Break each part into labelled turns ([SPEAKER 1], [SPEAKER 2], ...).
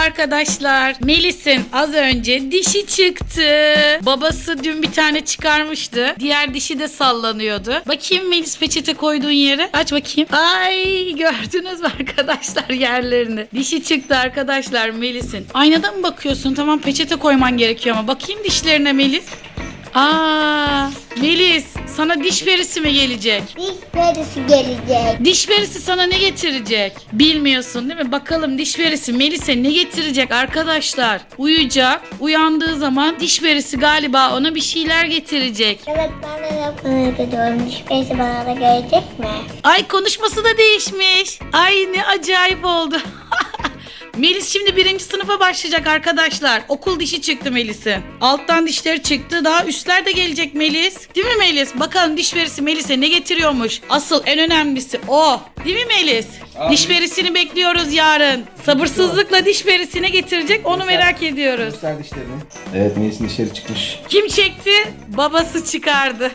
[SPEAKER 1] arkadaşlar. Melis'in az önce dişi çıktı. Babası dün bir tane çıkarmıştı. Diğer dişi de sallanıyordu. Bakayım Melis, peçete koyduğun yere. Aç bakayım. Ay, gördünüz mü arkadaşlar yerlerini? Dişi çıktı arkadaşlar Melis'in. Aynada mı bakıyorsun? Tamam, peçete koyman gerekiyor ama. Bakayım dişlerine Melis. Aa, Melis, sana diş perisi mi gelecek?
[SPEAKER 2] Diş perisi gelecek.
[SPEAKER 1] Diş perisi sana ne getirecek? Bilmiyorsun değil mi? Bakalım diş perisi Melis'e ne getirecek arkadaşlar? Uyuyacak. Uyandığı zaman diş perisi galiba ona bir şeyler getirecek.
[SPEAKER 2] Evet, ben de yapmaya gidiyorum. Diş perisi bana da gelecek mi?
[SPEAKER 1] Ay, konuşması da değişmiş. Ay, ne acayip oldu. Melis şimdi 1. sınıfa başlayacak arkadaşlar. Okul dişi çıktı Melis'in. Alttan dişleri çıktı. Daha üstler de gelecek Melis. Değil mi Melis? Bakalım diş perisi Melis'e ne getiriyormuş? Asıl en önemlisi o. Değil mi Melis?
[SPEAKER 3] Abi.
[SPEAKER 1] Diş perisini bekliyoruz yarın. Sabırsızlıkla diş perisini getirecek. Onu merak ediyoruz.
[SPEAKER 3] Göster dişlerini. Evet, Melis'in dişleri çıkmış.
[SPEAKER 1] Kim çekti? Babası çıkardı.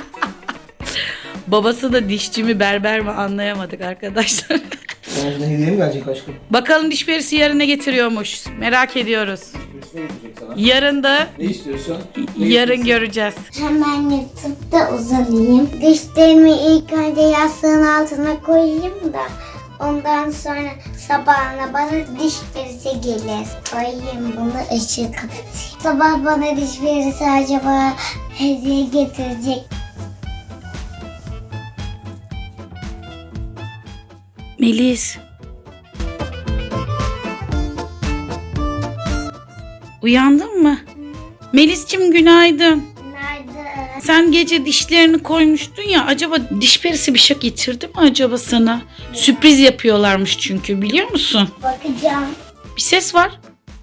[SPEAKER 1] Babası da dişçi mi berber mi anlayamadık arkadaşlar.
[SPEAKER 3] Sana yine hediye mi gelecek aşkım?
[SPEAKER 1] Bakalım diş perisi yarın ne getiriyormuş. Merak ediyoruz.
[SPEAKER 3] Birisi ne getirecek sana?
[SPEAKER 1] Yarın da
[SPEAKER 3] Ne istiyorsun?
[SPEAKER 1] yarın göreceğiz.
[SPEAKER 2] Hemen yatıp da uzanayım. Dişlerimi ilk önce yastığın altına koyayım da ondan sonra sabahına bana diş perisi gelir. Koyayım bunu, ışığı kapatayım. Sabah bana diş perisi acaba hediye getirecek.
[SPEAKER 1] Melis. Uyandın mı? Melis'cim günaydın.
[SPEAKER 2] Nerede?
[SPEAKER 1] Sen gece dişlerini koymuştun ya, acaba diş perisi bir şey getirdi mi acaba sana? Sürpriz yapıyorlarmış çünkü, biliyor musun?
[SPEAKER 2] Bakacağım.
[SPEAKER 1] Bir ses var.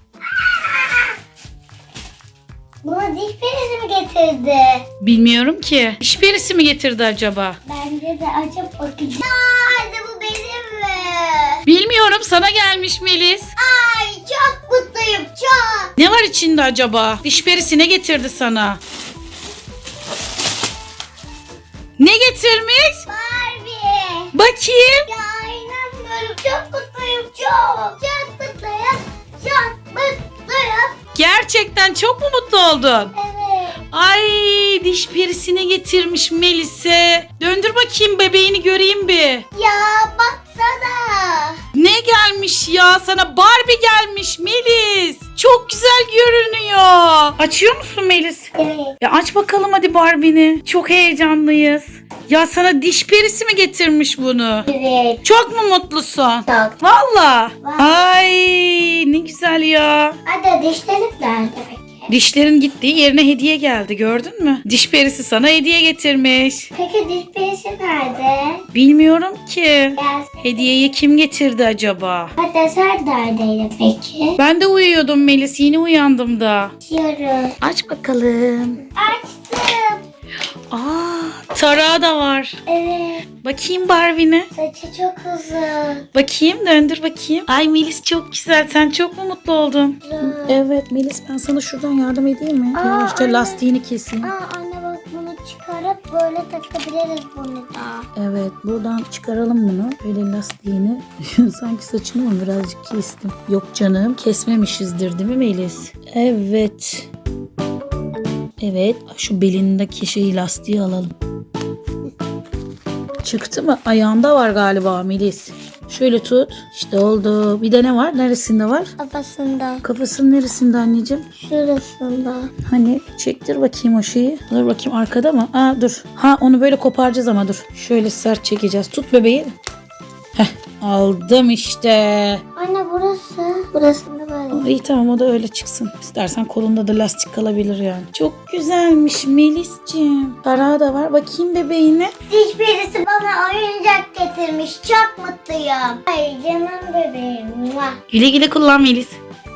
[SPEAKER 2] Buna diş perisi mi getirdi?
[SPEAKER 1] Bilmiyorum ki. Diş perisi mi getirdi acaba?
[SPEAKER 2] Bence de açıp bakacağım. Hadi bu benim mi?
[SPEAKER 1] Bilmiyorum, sana gelmiş Melis.
[SPEAKER 2] Ay, çok mutluyum, çok.
[SPEAKER 1] Ne var içinde acaba? Diş perisi ne getirdi sana? Ne getirmiş?
[SPEAKER 2] Barbie.
[SPEAKER 1] Bakayım.
[SPEAKER 2] Ya inanmıyorum, çok mutluyum, çok. Çok mutluyum, çok mutluyum.
[SPEAKER 1] Gerçekten çok mu mutlu oldun?
[SPEAKER 2] Evet.
[SPEAKER 1] Ay, diş perisini getirmiş Melis'e. Döndür bakayım, bebeğini göreyim bir.
[SPEAKER 2] Ya baksana.
[SPEAKER 1] Ne gelmiş ya? Sana Barbie gelmiş Melis. Çok güzel görünüyor. Açıyor musun Melis?
[SPEAKER 2] Evet.
[SPEAKER 1] Ya aç bakalım hadi Barbie'ni. Çok heyecanlıyız. Ya sana diş perisi mi getirmiş bunu?
[SPEAKER 2] Evet.
[SPEAKER 1] Çok mu mutlusun?
[SPEAKER 2] Çok.
[SPEAKER 1] Valla.
[SPEAKER 2] Vay.
[SPEAKER 1] Ay, ne güzel ya.
[SPEAKER 2] Hadi dişlerim nerede peki?
[SPEAKER 1] Dişlerin gittiği yerine hediye geldi, gördün mü? Diş perisi sana hediye getirmiş.
[SPEAKER 2] Peki diş perisi nerede?
[SPEAKER 1] Bilmiyorum ki.
[SPEAKER 2] Gelsin.
[SPEAKER 1] Hediyeyi kim getirdi acaba?
[SPEAKER 2] Hadi sen neredeydin peki?
[SPEAKER 1] Ben de uyuyordum Melis, yeni uyandım da.
[SPEAKER 2] Açıyorum.
[SPEAKER 1] Aç bakalım.
[SPEAKER 2] Açtım.
[SPEAKER 1] Aa, tarağı da var.
[SPEAKER 2] Evet.
[SPEAKER 1] Bakayım Barbie'ne.
[SPEAKER 2] Saçı çok uzun.
[SPEAKER 1] Bakayım, döndür bakayım. Ay Melis, çok güzel. Sen çok mu mutlu oldun?
[SPEAKER 2] Uzun.
[SPEAKER 1] Evet Melis, ben sana şuradan yardım edeyim mi?
[SPEAKER 2] Aa,
[SPEAKER 1] Yavaşça
[SPEAKER 2] anne.
[SPEAKER 1] lastiğini keseyim.
[SPEAKER 2] Aa anne bak, bunu çıkarıp böyle takabiliriz bunu da.
[SPEAKER 1] Evet, buradan çıkaralım bunu. Böyle lastiğini. Sanki saçını mı birazcık kestim. Yok canım, kesmemişizdir değil mi Melis? Evet. Evet, şu belindeki şeyi, lastiği alalım. Çıktı mı? Ayağında var galiba Melis. Şöyle tut. İşte oldu. Bir de ne var? Neresinde var?
[SPEAKER 2] Kafasında.
[SPEAKER 1] Kafasının neresinde anneciğim?
[SPEAKER 2] Şurasında.
[SPEAKER 1] Hani çektir bakayım o şeyi. Dur bakayım, arkada mı? Aa, dur. Ha, onu böyle koparacağız ama dur. Şöyle sert çekeceğiz. Tut bebeği. Heh, aldım işte.
[SPEAKER 2] Anne burası. Burasında böyle.
[SPEAKER 1] İyi tamam, o da öyle çıksın. İstersen kolunda da lastik kalabilir yani. Çok güzelmiş Melis'ciğim. Tarağı da var. Bakayım bebeğine.
[SPEAKER 2] Diş perisi bana oyuncak getirmiş. Çok mutluyum. Ay canım bebeğim. Muah.
[SPEAKER 1] Güle güle kullan Melis.